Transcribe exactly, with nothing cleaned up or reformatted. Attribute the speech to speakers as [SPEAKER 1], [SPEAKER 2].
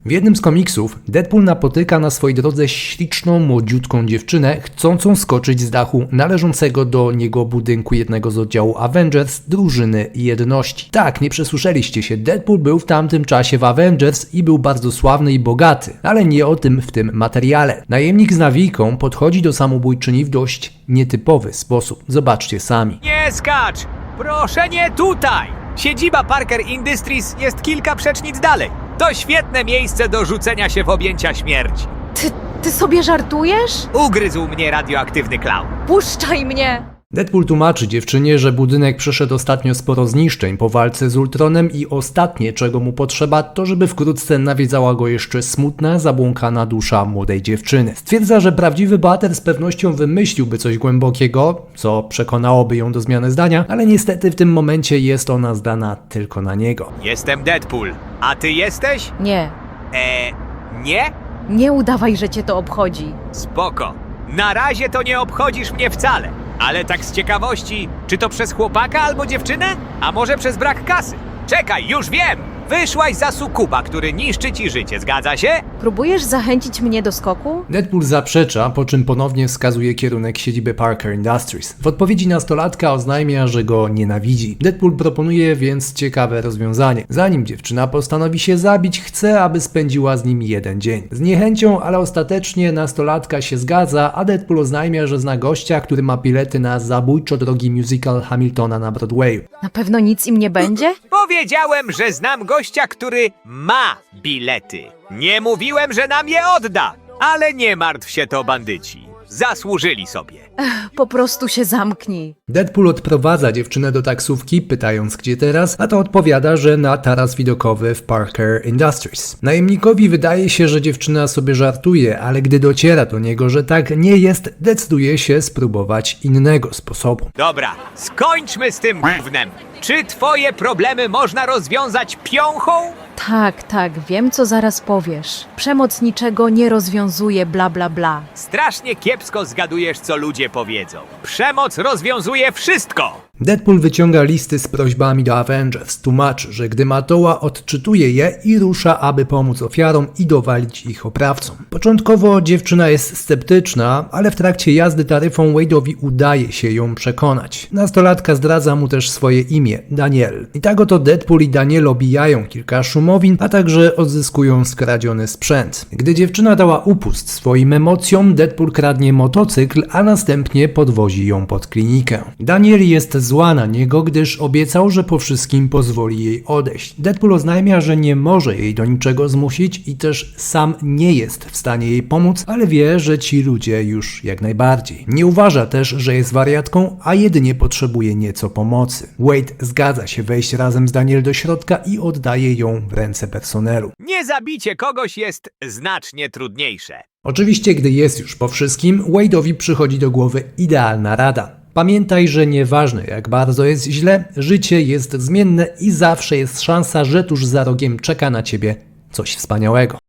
[SPEAKER 1] W jednym z komiksów Deadpool napotyka na swojej drodze śliczną, młodziutką dziewczynę chcącą skoczyć z dachu należącego do niego budynku jednego z oddziału Avengers drużyny jedności. Tak, nie przesłyszeliście się, Deadpool był w tamtym czasie w Avengers i był bardzo sławny i bogaty, ale nie o tym w tym materiale. Najemnik z nawijką podchodzi do samobójczyni w dość nietypowy sposób. Zobaczcie sami.
[SPEAKER 2] Nie skacz! Proszę nie tutaj! Siedziba Parker Industries jest kilka przecznic dalej. To świetne miejsce do rzucenia się w objęcia śmierci.
[SPEAKER 3] Ty, ty sobie żartujesz?
[SPEAKER 2] Ugryzł mnie radioaktywny klaun.
[SPEAKER 3] Puszczaj mnie!
[SPEAKER 1] Deadpool tłumaczy dziewczynie, że budynek przeszedł ostatnio sporo zniszczeń po walce z Ultronem i ostatnie, czego mu potrzeba, to żeby wkrótce nawiedzała go jeszcze smutna, zabłąkana dusza młodej dziewczyny. Stwierdza, że prawdziwy bohater z pewnością wymyśliłby coś głębokiego, co przekonałoby ją do zmiany zdania, ale niestety w tym momencie jest ona zdana tylko na niego.
[SPEAKER 2] Jestem Deadpool. A ty jesteś?
[SPEAKER 3] Nie,
[SPEAKER 2] Eee, nie?
[SPEAKER 3] nie udawaj, że cię to obchodzi.
[SPEAKER 2] Spoko. Na razie to nie obchodzisz mnie wcale. Ale tak z ciekawości, czy to przez chłopaka albo dziewczynę? A może przez brak kasy? Czekaj, już wiem! Wyszłaś za sukuba, który niszczy ci życie, zgadza się?
[SPEAKER 3] Próbujesz zachęcić mnie do skoku?
[SPEAKER 1] Deadpool zaprzecza, po czym ponownie wskazuje kierunek siedziby Parker Industries. W odpowiedzi nastolatka oznajmia, że go nienawidzi. Deadpool proponuje więc ciekawe rozwiązanie. Zanim dziewczyna postanowi się zabić, chce, aby spędziła z nim jeden dzień. Z niechęcią, ale ostatecznie nastolatka się zgadza, a Deadpool oznajmia, że zna gościa, który ma bilety na zabójczo drogi musical Hamiltona na Broadwayu.
[SPEAKER 3] Na pewno nic im nie będzie?
[SPEAKER 2] Powiedziałem, że znam gościa, który ma bilety. Nie mówiłem, że nam je odda. Ale nie martw się, to bandyci. Zasłużyli sobie.
[SPEAKER 3] Po prostu się zamknij.
[SPEAKER 1] Deadpool odprowadza dziewczynę do taksówki, pytając gdzie teraz, a ta odpowiada, że na taras widokowy w Parker Industries. Najemnikowi wydaje się, że dziewczyna sobie żartuje, ale gdy dociera do niego, że tak nie jest, decyduje się spróbować innego sposobu.
[SPEAKER 2] Dobra, skończmy z tym gównem. Czy twoje problemy można rozwiązać piąchą?
[SPEAKER 3] Tak, tak, wiem co zaraz powiesz. Przemoc niczego nie rozwiązuje, bla bla bla.
[SPEAKER 2] Strasznie kiepsko zgadujesz, co ludzie powiedzą. Przemoc rozwiązuje wszystko!
[SPEAKER 1] Deadpool wyciąga listy z prośbami do Avengers, tłumaczy, że gdy Matoła odczytuje je i rusza, aby pomóc ofiarom i dowalić ich oprawcom. Początkowo dziewczyna jest sceptyczna, ale w trakcie jazdy taryfą Wade'owi udaje się ją przekonać. Nastolatka zdradza mu też swoje imię, Daniel. I tak oto Deadpool i Daniel obijają kilka szumowin, a także odzyskują skradziony sprzęt. Gdy dziewczyna dała upust swoim emocjom, Deadpool kradnie motocykl, a następnie podwozi ją pod klinikę. Daniel jest zła na niego, gdyż obiecał, że po wszystkim pozwoli jej odejść. Deadpool oznajmia, że nie może jej do niczego zmusić i też sam nie jest w stanie jej pomóc, ale wie, że ci ludzie już jak najbardziej. Nie uważa też, że jest wariatką, a jedynie potrzebuje nieco pomocy. Wade zgadza się wejść razem z Daniel do środka i oddaje ją w ręce personelu.
[SPEAKER 2] Nie zabicie kogoś jest znacznie trudniejsze.
[SPEAKER 1] Oczywiście, gdy jest już po wszystkim, Wade'owi przychodzi do głowy idealna rada. Pamiętaj, że nieważne jak bardzo jest źle, życie jest zmienne i zawsze jest szansa, że tuż za rogiem czeka na ciebie coś wspaniałego.